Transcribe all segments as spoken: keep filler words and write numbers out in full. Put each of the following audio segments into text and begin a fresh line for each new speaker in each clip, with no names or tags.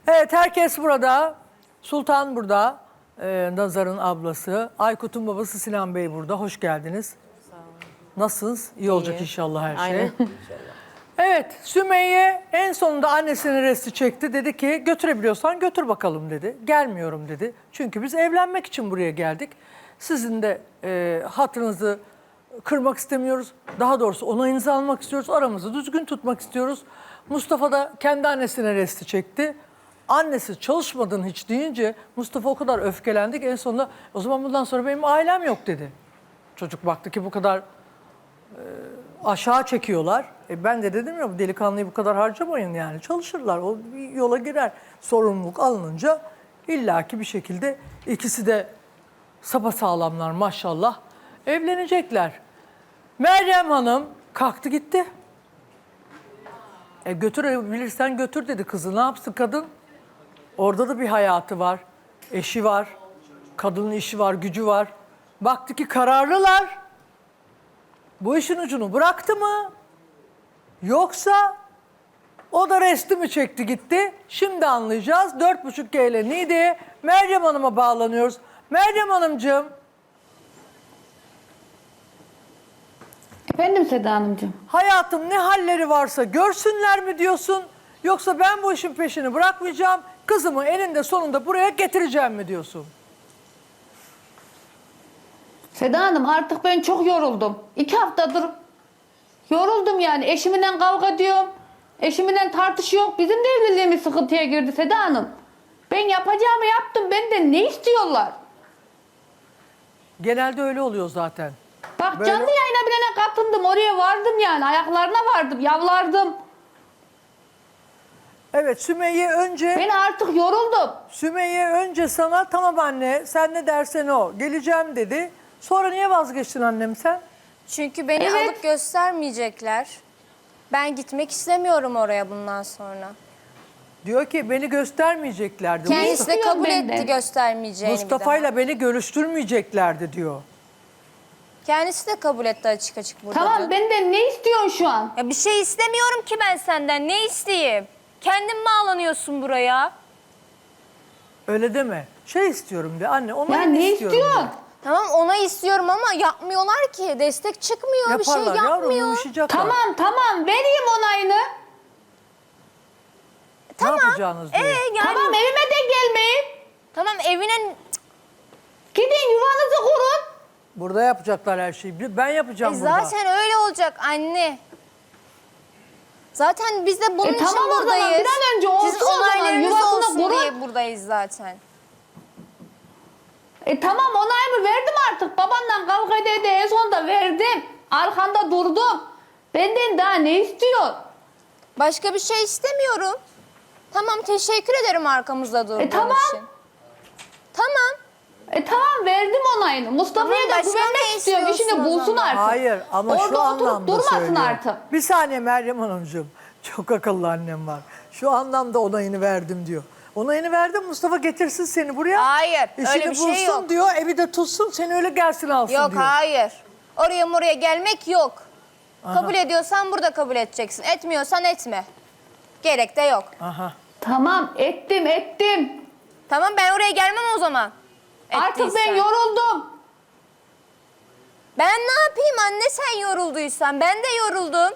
Evet, herkes burada. Sultan burada. Ee, Nazar'ın ablası. Aykut'un babası Sinan Bey burada. Hoş geldiniz. Sağ olun. Nasılsınız? İyi olacak inşallah her şey.
Aynen.
Evet, Sümeyye en sonunda annesinin resti çekti. Dedi ki götürebiliyorsan götür bakalım dedi. Gelmiyorum dedi. Çünkü biz evlenmek için buraya geldik. Sizin de e, hatırınızı kırmak istemiyoruz. Daha doğrusu onayınızı almak istiyoruz. Aramızı düzgün tutmak istiyoruz. Mustafa da kendi annesine resti çekti. Annesi çalışmadın hiç deyince Mustafa o kadar öfkelendi ki en sonunda o zaman bundan sonra benim ailem yok dedi. Çocuk baktı ki bu kadar e, aşağı çekiyorlar. E ben de dedim ya bu delikanlıyı bu kadar harcamayın yani. Çalışırlar, o bir yola girer. Sorumluluk alınınca illaki bir şekilde ikisi de sapasağlamlar maşallah. Evlenecekler. Meryem Hanım kalktı gitti. E götürebilirsen götür dedi kızı. Ne yapsın kadın? Orada da bir hayatı var. Eşi var. Kadının işi var, gücü var. Baktı ki kararlılar. Bu işin ucunu bıraktı mı? Yoksa o da resti mi çekti gitti? Şimdi anlayacağız. Dört buçuk G ile Niğde'ye Meryem Hanım'a bağlanıyoruz. Meryem Hanımcığım.
Efendim Seda Hanımcığım.
Hayatım ne halleri varsa görsünler mi diyorsun? Yoksa ben bu işin peşini bırakmayacağım. Kızımı eninde sonunda buraya getireceğim mi diyorsun?
Seda Hanım artık ben çok yoruldum. İki haftadır yoruldum yani. Eşimle kavga ediyorum. Eşimle tartışıyor. Bizim de evliliğimiz sıkıntıya girdi Seda Hanım. Ben yapacağımı yaptım. Benden ne istiyorlar?
Genelde öyle oluyor zaten.
Bak
Böyle-
canlı yayına bilene katıldım. Oraya vardım yani. Ayaklarına vardım. Yavlardım.
Evet, Sümeyye önce
Ben artık yoruldum.
Sümeyye önce sana tamam anne sen ne dersen o geleceğim dedi. Sonra niye vazgeçtin annem sen?
Çünkü beni
Evet.
alıp göstermeyecekler. Ben gitmek istemiyorum oraya bundan sonra.
Diyor ki beni göstermeyeceklerdi.
Kendisi de
istiyor
kabul
benden?
etti göstermeyeceğini bir
Mustafa'yla beni görüştürmeyeceklerdi diyor.
daha. Kendisi de kabul etti açık açık burada.
Tamam
dün.
benden ne istiyorsun şu an?
Ya bir şey istemiyorum ki ben senden. Ne isteyeyim? Kendin bağlanıyorsun buraya.
Öyle deme. Şey istiyorum de anne onu
Ya ne
istiyorum
istiyorsun?
de.
Tamam ona istiyorum ama yapmıyorlar ki. Destek çıkmıyor. Bir şey
Yaparlar yavrum
yapmıyor.
yumuşayacaklar.
Tamam tamam vereyim onayını.
Ne yapacağınız diyor.
Ee, yani,
Tamam evime de gelmeyin.
tamam evine...
Gidin yuvanızı kurun.
Burada yapacaklar her şeyi. Ben yapacağım
E
burada.
zaten öyle olacak anne. Zaten biz de bunun
E
için
tamam o zaman,
buradayız.
bir an önce olsun
Siz
o zaman,
onaylarınız
yuvasını
olsun
kurun.
diye buradayız zaten.
E tamam onayımı verdim artık. Babanla kavga ede ede en sonunda verdim. Arkanda durdum. Benden daha ne istiyor?
Başka bir şey istemiyorum. Tamam teşekkür ederim arkamızda durduğun
E tamam.
için. Tamam.
E tamam verdim onayını. Mustafa'ya
Tamam,
da
başka
güvenmek
ne
istiyorum.
istiyorsun
İşini
o
bulsun
zaman?
artık.
Hayır ama
Orada
şu
oturup
anlamda
durmasın
söylüyor.
artık.
Bir saniye Meryem Hanımcığım. Çok akıllı annem var. Şu anlamda onayını verdim diyor. Onayını verdim Mustafa getirsin seni buraya.
Hayır,
İşini
öyle bir şey
bulsun
yok.
diyor. Evi de tutsun seni öyle gelsin alsın
Yok
diyor.
hayır. Oraya oraya gelmek yok. Kabul ediyorsan burada kabul edeceksin. Etmiyorsan etme. Gerek de yok.
Aha.
Tamam ettim ettim.
Tamam ben oraya gelmem o zaman.
Artık
Ettiysen.
ben yoruldum.
Ben ne yapayım anne sen yorulduysan? Ben de yoruldum.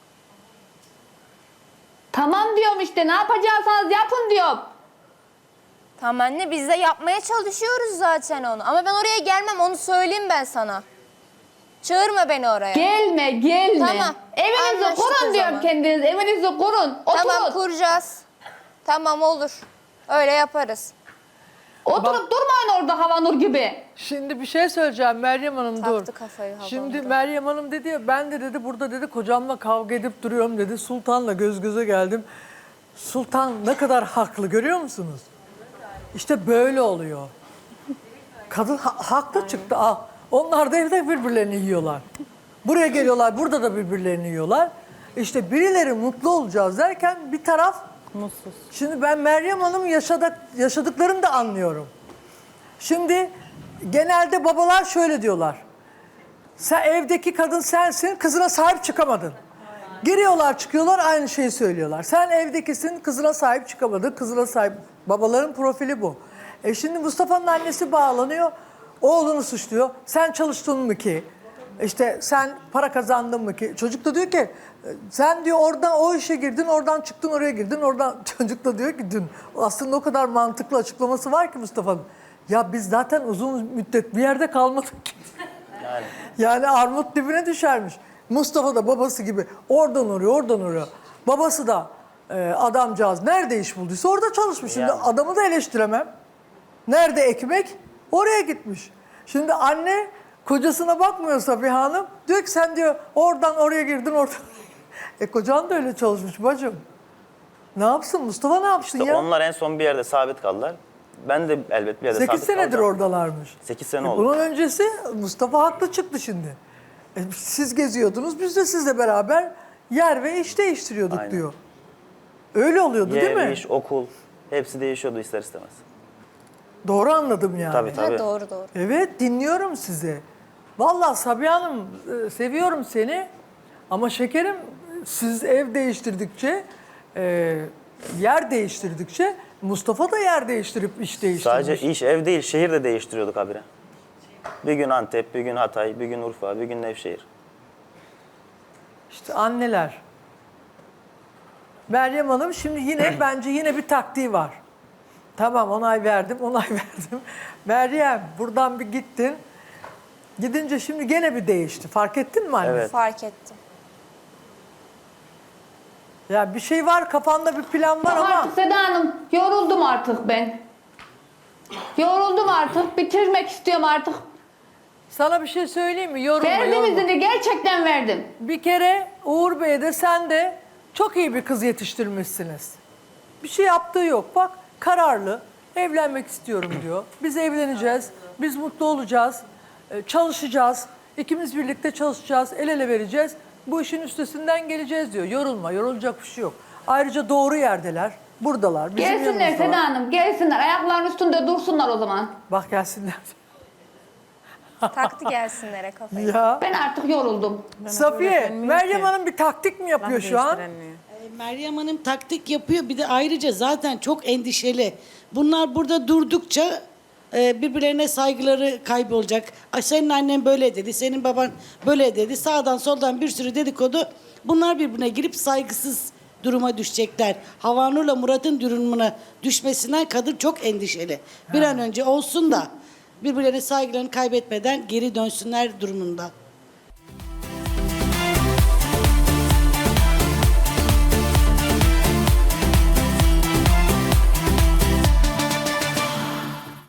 Tamam diyorum işte ne yapacaksanız yapın diyorum.
Tamam anne biz de yapmaya çalışıyoruz zaten onu. Ama ben oraya gelmem onu söyleyeyim ben sana. Çağırma beni oraya.
Gelme gelme.
Tamam,
Evinizi
anlaştık o
kurun diyorum
zaman.
kendiniz. Evinizi kurun. Oturun.
Tamam kuracağız. Tamam olur. Öyle yaparız.
Oturup durmayın orada Havanur gibi.
Şimdi bir şey söyleyeceğim Meryem Hanım dur.
Taktı kafayı havamda.
Şimdi Meryem Hanım dedi ya ben de dedi burada dedi kocamla kavga edip duruyorum dedi. Sultan'la göz göze geldim. Sultan ne kadar haklı görüyor musunuz? İşte böyle oluyor. Kadın ha haklı çıktı. Al. Onlar da evde birbirlerini yiyorlar. Buraya geliyorlar burada da birbirlerini yiyorlar. İşte birileri mutlu olacağız derken bir taraf mutsuz. Şimdi ben Meryem Hanım yaşadık, yaşadıklarını da anlıyorum. Şimdi genelde babalar şöyle diyorlar. Sen evdeki kadın sensin, kızına sahip çıkamadın. Giriyorlar çıkıyorlar aynı şeyi söylüyorlar. Sen evdekisin, kızına sahip çıkamadın, kızına sahip. Babaların profili bu. E şimdi Mustafa'nın annesi bağlanıyor, oğlunu suçluyor. Sen çalıştın mı ki? İşte sen para kazandın mı ki? Çocuk da diyor ki sen diyor oradan o işe girdin, oradan çıktın oraya girdin, oradan çocuk da diyor ki dün aslında o kadar mantıklı açıklaması var ki Mustafa'nın. Ya biz zaten uzun müddet bir yerde kalmadık ki.
Yani.
Yani armut dibine düşermiş. Mustafa da babası gibi oradan oraya oradan oraya. Babası da e, adamcağız nerede iş bulduysa orada çalışmış. Şimdi
Yani.
adamı da eleştiremem. Nerede ekmek? Oraya gitmiş. Şimdi anne kocasına bakmıyor Sabiha Hanım. Diyor ki sen diyor oradan oraya girdin oradan. E kocan da öyle çalışmış bacım. Ne yapsın Mustafa ne yapsın
İşte
ya?
onlar en son bir yerde sabit kaldılar. Ben de elbet bir yerde
Sekiz
sabit
senedir
kalacağım.
oradalarmış.
sekiz sene
E
oldu.
bunun öncesi Mustafa haklı çıktı şimdi. E siz geziyordunuz, biz de sizle beraber yer ve iş değiştiriyorduk
Aynen.
diyor. Öyle oluyordu değil
Yer,
mi?
iş, okul hepsi değişiyordu ister istemez.
Doğru anladım yani.
Tabii tabii.
Ha, doğru doğru.
Evet dinliyorum sizi. Vallahi Sabiha Hanım e, seviyorum seni ama şekerim siz ev değiştirdikçe, e, yer değiştirdikçe Mustafa da yer değiştirip iş değiştirmiş.
Sadece iş, ev değil, şehir de değiştiriyorduk habire. Bir gün Antep, bir gün Hatay, bir gün Urfa, bir gün Nevşehir.
İşte anneler. Meryem Hanım şimdi yine bence yine bir taktiği var. Tamam onay verdim, onay verdim. Meryem buradan bir gittin. Gidince şimdi gene bir değişti. Fark ettin mi anne?
Evet.
Fark ettim.
Ya bir şey var kafanda bir plan var ama
Artık Seda Hanım yoruldum artık ben. Yoruldum artık. Bitirmek istiyorum artık.
sana bir şey söyleyeyim mi? Yorulma,
Verdim
yorulma.
izini, gerçekten verdim.
Bir kere Uğur Bey de sen de çok iyi bir kız yetiştirmişsiniz. Bir şey yaptığı yok. Bak kararlı. Evlenmek istiyorum diyor. Biz evleneceğiz. Biz mutlu olacağız. e, Çalışacağız. İkimiz birlikte çalışacağız. El ele vereceğiz. Bu işin üstesinden geleceğiz diyor. Yorulma. Yorulacak bir şey yok. Ayrıca doğru yerdeler. Buradalar. Bizim
Gelsinler
yanımızdalar.
Seda Hanım, gelsinler. Ayaklarının üstünde dursunlar o zaman.
Bak gelsinler.
Taktı gelsinlere kafayı.
Ya.
Ben artık yoruldum.
Safiye, Meryem Hanım bir taktik mi yapıyor şu an?
Meryem Hanım taktik yapıyor. Bir de ayrıca zaten çok endişeli. Bunlar burada durdukça e, birbirlerine saygıları kaybolacak. Ay, senin annen böyle dedi, senin baban böyle dedi. Sağdan soldan bir sürü dedikodu. Bunlar birbirine girip saygısız duruma düşecekler. Havanur'la Murat'ın durumuna düşmesinden kadın çok endişeli. Bir an önce olsun da birbirlerine saygılarını kaybetmeden geri dönsünler durumunda.